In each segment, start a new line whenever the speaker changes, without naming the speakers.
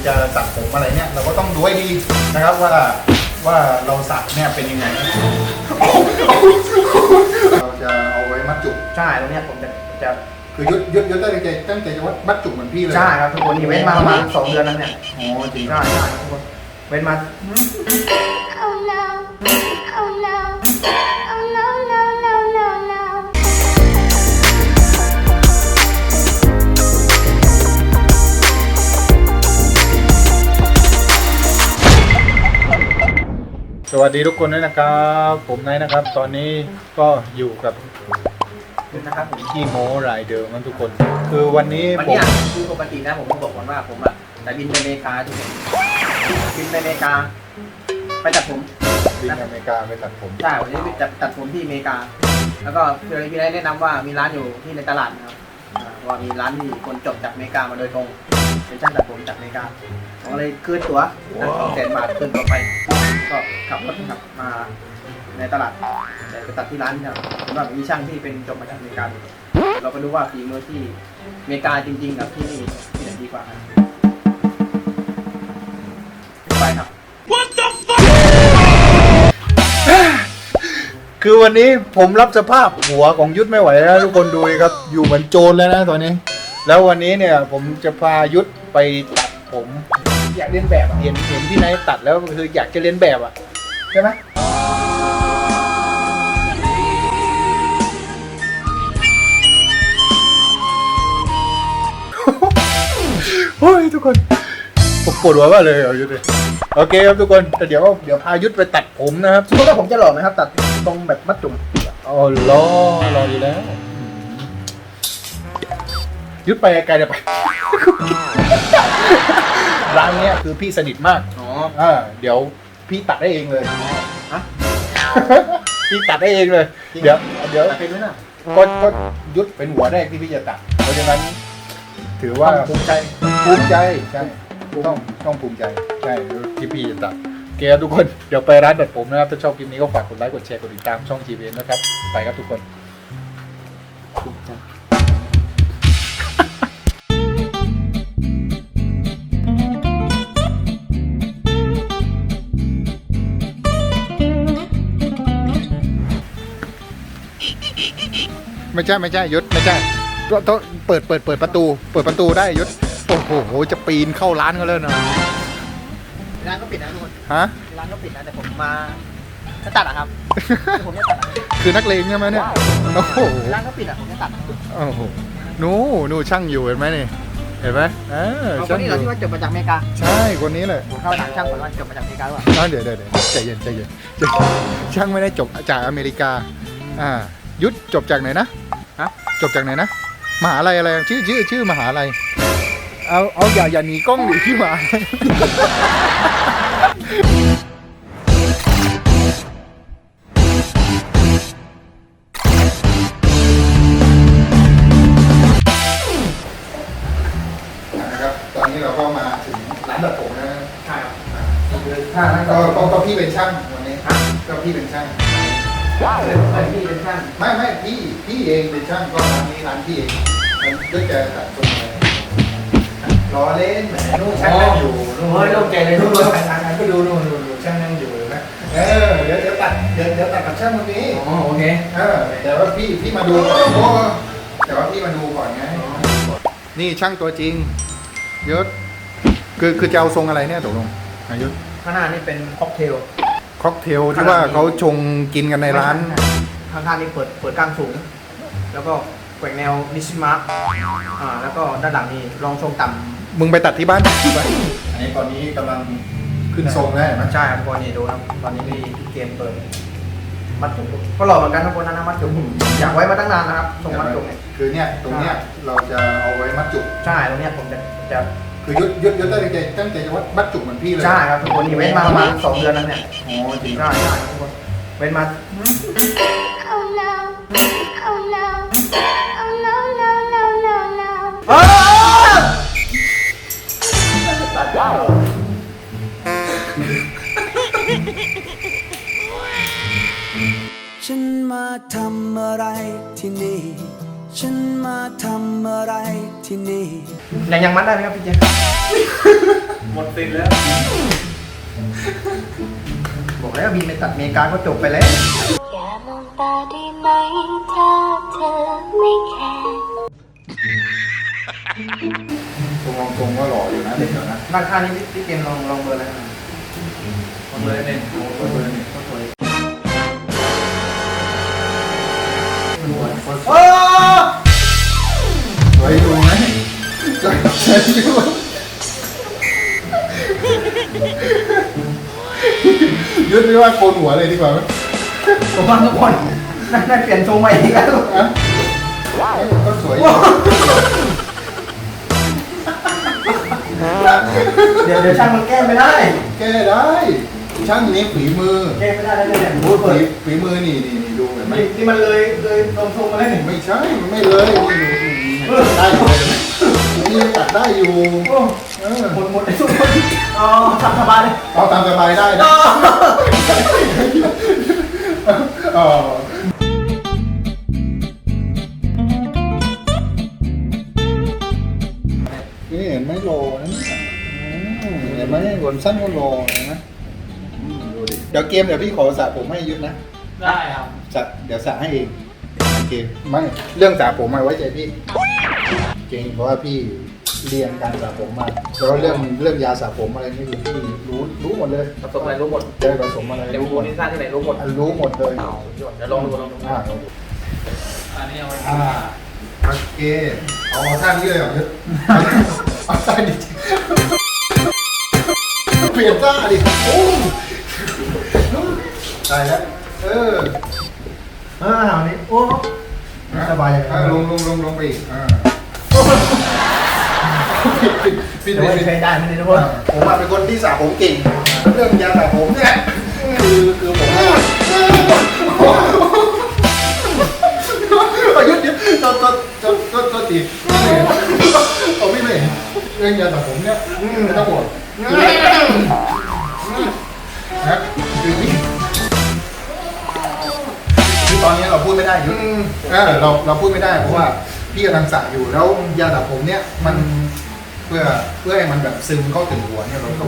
จะตัดผมอะไรเนี่ยเราก็ต้องดูให้ดีนะครับว่าเราสักเนี่ยเป็นยังไงเราจะเอาไว้มัดจุก
ใช่ตรงเนี้ยผมจะ
คือยุดตั้งใจจะวัดมัดจุกเหมือนพี่เลย
ใช่ครับทุกคนนี่เว้นมาประมาณ2 เดือนแล้วเนี่ย
อ๋อจริง
ใช่ทุกคนเว้นมา
Oh no, oh no, oh no, no, no, no, no.
สวัสดีทุกคนด้วยนะครับผมนายนะครับตอนนี้ก็อยู่กับ
นะครับผม
ขี้โม้รายเดิมนะทุกคนคือวันนี้ผม
คือปกตินะผมต้องบอกก่อนว่าผมแต่บินไปอเมริกาทุกคนบินไปอเมริกาไปตัดผม
บินอเมริกาไปตัดผม
ใช่วันนี้จะตัดผมที่อเมริกาแล้วก็พี่ได้แนะนำว่ามีร้านอยู่ที่ในตลาดนะครับว่ามีร้านที่คนจบจากอเมริกามาโดยตรงเป็นช่างตัดผมจากอเมริกาผมเลยคืนตั๋ว200,000 บาทคืนตั๋วไปก็ขับรถขับมาในตลาดไปตัดที่ร้านครับผมว่ามีช่างที่เป็นจบมาจากอเมริกาเราก็ดูว่าฝีมือที่อเมริกาจริงๆกับที่นี่ที่ไหนดีกว่าครับไปครับ
What the fuck คือวันนี้ผมรับสภาพหัวของยุทธไม่ไหวแล้วทุกคนดูครับอยู่เหมือนโจรแล้วนะตอนนี้แล้ววันนี้เนี่ยผมจะพายุทธไปตัดผมอยากเลียนแบบเห็นพี่นายตัดแล้วคืออยากจะเลียนแบบอ่ะใช่ไหมโอ้ยทุกคนผมปวดหัวมากเลยเอายุทธเลยโอเคครับทุกคนแต่เดี๋ยวพายุทธไปตัดผมนะครับ
คิดว่าผมจะหล่อไหมครับตัดตรงแบบมัดจุ่ม
อ๋อรออยู่แล้วยุทธไปไกลเดี๋ยวไปร้านเนี้ยคือพี่สนิทมากเดี๋ยวพี่ตัดได้เองเลย
ฮะ
พี่ตัดได้เองเลยเดี๋ยว
เป็นด้วยนะ
ก็ยุทธเป็นหัวแรกที่พี่จะตัดเพราะฉะนั้นถือว่า
ภูมิใจ
ใช่ต้องภูมิใจใช่ที่พี่จะตัดโอเคทุกคนเดี๋ยวไปร้านตัดผมนะครับถ้าชอบคลิปนี้ก็ฝากกดไลค์กดแชร์กดติดตามช่อง GVN นะครับไปครับทุกคนไม่ใช่ยศไม่ใช่ต้องเปิดประตูได้ยศโอ้โหจะปีนเข้าร้านเขาเลยนะ
ร้านก็ปิดนะทุกคน
ฮะ
ร้านก็ปิดนะแต่ผมมาจะตัดอะครับผมจะตัด
คือนักเลงใช่ไหมเนี่ยโอ้โห
ร้านก็ปิดอะผมจะตัด
โอ้โหนู่ช่างอยู่เห็นไหมนี่เห็นไหม
คนนี้เราที่ว่าจบมาจากอเมริกา
ใช่คนนี้เลย
ผมเข้าถามช่างก่อนว่าจบมาจากอเมริกาหรือเปล่า
เดี๋ยวใจเย็นช่างไม่ได้จบจากอเมริกายุทธจบจากไหนนะจบจากไหนนะมหาลัยอะไรชื่อมหาลัยเอาอย่าหนีกล้องหรือที่มานะครับตอนนี้เราก็มาถึงร้านตัดผมนะ
ใช่ครับ
ก็พี่เป็นช่างวันนี้ก็พี่เป็นช่าง
พี่เป็นช่าง
ไม่พี่เองเป็นช่างก็ร้านนี้ร้านพี่เองมันก็จะตัดตรงไหนล้อเล่นแหมนู่นช่างนั่งอยู่
นู่นโล่งใจเลยนู่น
ก็ดูนู่นช่างนั่งอยู่นะเดี๋ยวตัดกับช่างวันนี้
โอเค
แต่ว่าพี่มาดูแต่ว่าพี่มาดูก่อนไงนี่ช่างตัวจริงยศคือจะเอาทรงอะไรเนี่ยตกลงยศ
ข้างหน้านี่เป็นค็อกเทล
ที่ว่าเขาชงกินกันในร้าน
ข้างๆนี่เปิดกลางสูงแล้วก็แกว่งแนวนิชิมะแล้วก็ด้านหลังนี่รองทรงต่ำ
มึงไปตัดที่บ้านอันนี้ตอนนี้กำลังขึ้นทรงแล้ว
ใช่ครับตอนนี้ดูนะตอนนี้มีเกมเปิดมัดจุกก็หล่อเหมือนกันทุกคนนะมัดจุกอยากไว้มาตั้งนานนะครับทรงมัดจุกเนี่ย
คือเนี่ยตรงเนี้ยเราจะเอาไว้มัดจุก
ใช่ตรงเนี้ยผมจะ
คือยุดตั้งใจจะวัดมัดจุกเหมือนพี่เลย
ใช่ครับทุกคนนี่เว้นมาประมาณ2 เดือนแล้วเนี่ย
อ๋อจริง
ใช่ทุกคนเว้นมา
Oh no, oh no, oh no, no, no, no, no.
ตัดได้
ฉันมาทำอะไรที่นี่ฉันมาทำอะไรที่นี่
ยังมัดได้ไหมครับพี่เจหมดสิทธิ์แล้วบอกแล้วบินไปตัดอเมริกาก็จบไปแล้ว
อย่ามองตาได้ไหมถ้าเธอไม่แคร์
ตรงก็หล่ออยู่นะเด็กนะ
ราคานี้พี่เกมลองเบอร์อะไรนะเบอร์เนี่ยเบอร์เนี่ยก็สวยโอ้
สวยดูไหมสวยดูยุดไม่ว่าโกนหัวเลยดีกว่าไหม
ผมว่าทุกคนได้เปลี่ยนทรงใหม่อีกแล้ว
ก็สวย
เดี๋ยวช่างมันแก้ไม่ได้
แก้ได้ ช่างนี้ฝีมือ
แก้ไม่ได้แล้วเนี่ย
โอ้ฝีมือนี่ดูเห็นไหม
นี่มันเลยลงทรงมาแล้วนี่
ไม่ใช่มันไม่เลยนี่ได้เลยนี่ตัดได้อยู่
โอ้หมดไอ้ทุกคนอ๋อทำสบายเลย
เอาตามสบายได้นะอ๋อนี่เห็นไหมโลนะเห็นไหมบนสั้นก็โลนะดูดิเดี๋ยวเกมเดี๋ยวพี่ขอสระผมให้ยุทธนะ
ได้ครับ
เดี๋ยวสระให้เองโอเคไม่เรื่องสระผมมาไว้ใจพี่จริงเพราะว่าพี่เรียนการสระผมมาแล้วเรื่องยาสระผมอะไรนี่คือพี่รู้หมดเลย
ผสมอะไรรู้หมด
เจอผสมอะไร
เดี๋ยวบูนิซ่าที่ไหนรู้หมด
รู้หมดเลย
เดี๋ยวลองดู
ลองดู
อันนี้เอาไว้
โอเคเอาท่านี้เลยเหรอยุทธเอาท่านี้เปลี่ยนท่าดิโอ้ได้แล้ว
อันนี้โอ้สบายอย่าง
ลงไปอีกพี่
ไม่เคยได้ไม่ได้ทุกคน
ผมเป็นคนที่สระผมเก่งเรื่องยาสระผมเนี่ยคือผมยุดตัวตีเอาไม่เลยเรื่องยาสระผมเนี่ยทั้งหมดนะคือตอนนี้เราพูดไม่ได้ยุดเราพูดไม่ได้เพราะว่าพี่กำลังสระอยู่แล้วยาสระผมเนี่ยมันเพื่อให้มันแบบซึมเข้าถึงหัวเนี่ยเราต้อง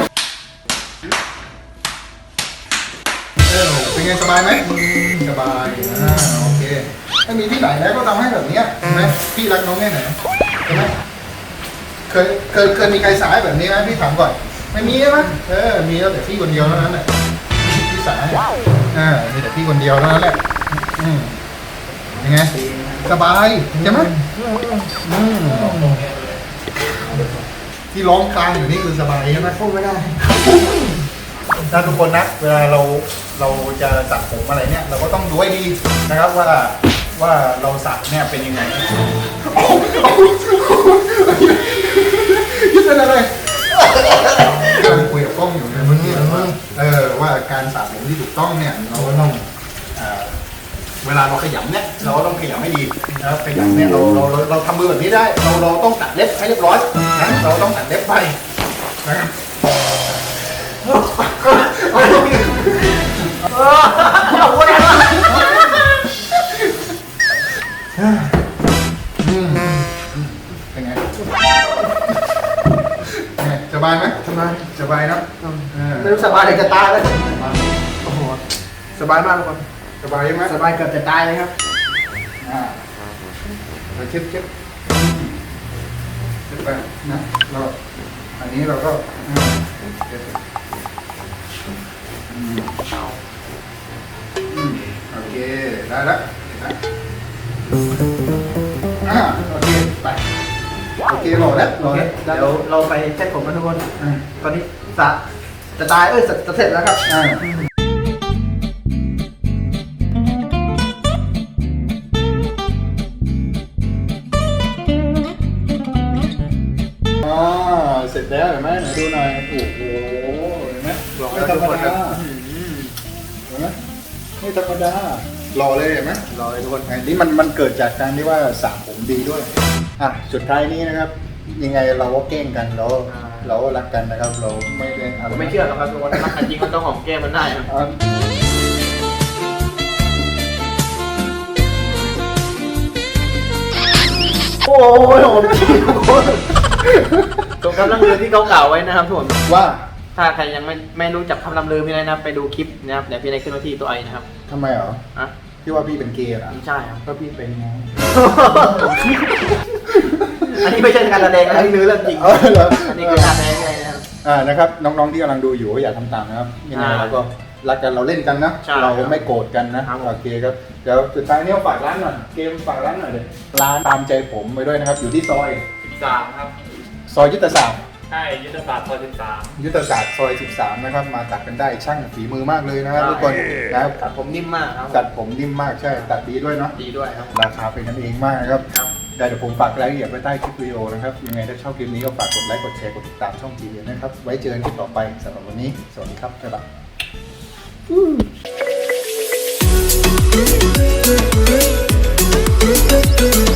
เป็นไงสบายไหมสบายโอเคถ้ามีที่ไหนแล้วก็ทำให้แบบนี้ใช่ไหมพี่รักน้องแค่ไหนใช่ไหมเคยมีใครสายแบบนี้ไหมพี่ถามก่อนไม่มีใช่ไหมมีแล้วแต่พี่คนเดียวเท่านั้นแหละพี่สายมีแต่พี่คนเดียวเท่านั้นแหละยังไงสบายใช่ไหมที่ร้องคลางอยู่นี่คือสบายใช่ไหมพูดไม่ได้ถ้าทุกคนนะเวลาเราจะสระผมอะไรเนี่ยเราก็ต้องดูให้ดีนะครับว่าเราสระเนี่ยเป็นยังไงยึดเป็นอะไรกำลังคุยกับกล้องอยู่ในเมื่อกี้ว่าการสระผมที่ถูกต้องเนี่ยเราก็ต้องเวลาเราขยำเนี่ยเราต้องขยำให้ดีนะครับขยำเนี่ยเราทำมือแบบนี้ได้เราต้องตัดเล็บให้เรียบร้อยนะเราต้องตัดเล็บไปนะครับเป็นไงสบายไหมสบายนะ
ไม่รู้สบายเลยจะตายเลยโอ้โหสบายมากทุกคน
สบายไหม
สบายเกือบจะตายเลยครับ
เราเช็ดไปนะเราอันนี้เราก็โอเคได้แล้วโอเคไปโอเครอแล้ว
เดี๋ยวเราไปเช็ดผมกันทุกคนตอนนี้จะตายจะเสร็จแล้วครับ
เสร็จแล้วเห็นไหมไหนดูหน่อยโอ้โหเห็นไหมไม่ธรรมดาเห็นไหมไม่ธรรมดารอเลยเห็นไหมรอเลยทุกคนอันนี้มันเกิดจากการที่ว่าสระผมดีด้วยสุดท้ายนี้นะครับยังไงเราก็เก้งกันเราก็รักกันนะครับเราไม่ได้
ผมไม่เชื่อหรอกครับทุกคนรักกันจริงมันต้องหอมแก้มมันได้โอ้ยหอมจริงทุกคนตรงคำล่ำลือที่เขากล่าวไว้นะครับทุกคน
ว่า
ถ้าใครยังไม่รู้จักคำล่ำลือพี่นายนะครับไปดูคลิปนะครับเดี๋ยวพี่นายขึ้นมาที่ตัวไอนะครับ
ทำไมเหรอ
อ่ะ
พี่ว่าพี่เป็นเกย์เหรอ
ไม่ใช่ครับ
ก็พี่เป็นไง
อันนี้ไม่ใช่การแสดงนะนี่คือเรื่องจริง
เออเหรอ
อันนี้คือการแสดงอะไรนะครับ
นะครับน้องๆที่กำลังดูอยู่ก็อย่าทำตามนะครับยังไงเราก็รักกันเราเล่นกันนะ
ใช่
เราไม่โกรธกันนะครับ โอเคครับเดี๋ยวสุดท้ายนี้ฝากร้านหน่อยเกมฝากร้านหน่อยเลยร้านตามใจผมไปด้วยนะครับ อยู่ที่ซอย
13ครับ
ซอยยุทธศาสตร์
ใช่ยุทธศาสตร์ซอย
ยุทธศาสตร์ซอย 13 นะครับ มาตัดกันได้ช่างฝีมือมากเลยนะครับทุกคนนะครับ
ตัดผมนิ่มมากครับ
ตัดผมนิ่มมากใช่ตัดดีด้วยเนาะ
ดีด้วยครับ
ราคาเป็นกันเองมากนะครับ
ครับ
ได้เดี๋ยวผมฝากรายละเอียดไว้ใต้คลิปวิดีโอนะครับยังไงถ้าชอบคลิปนี้ก็ฝากกดไลค์กดแชร์กดติดตามช่องทีวีนะครับไว้เจอกันคลิปต่อไปสำหรับวันนี้สวัสดีครับบ๊ายบาย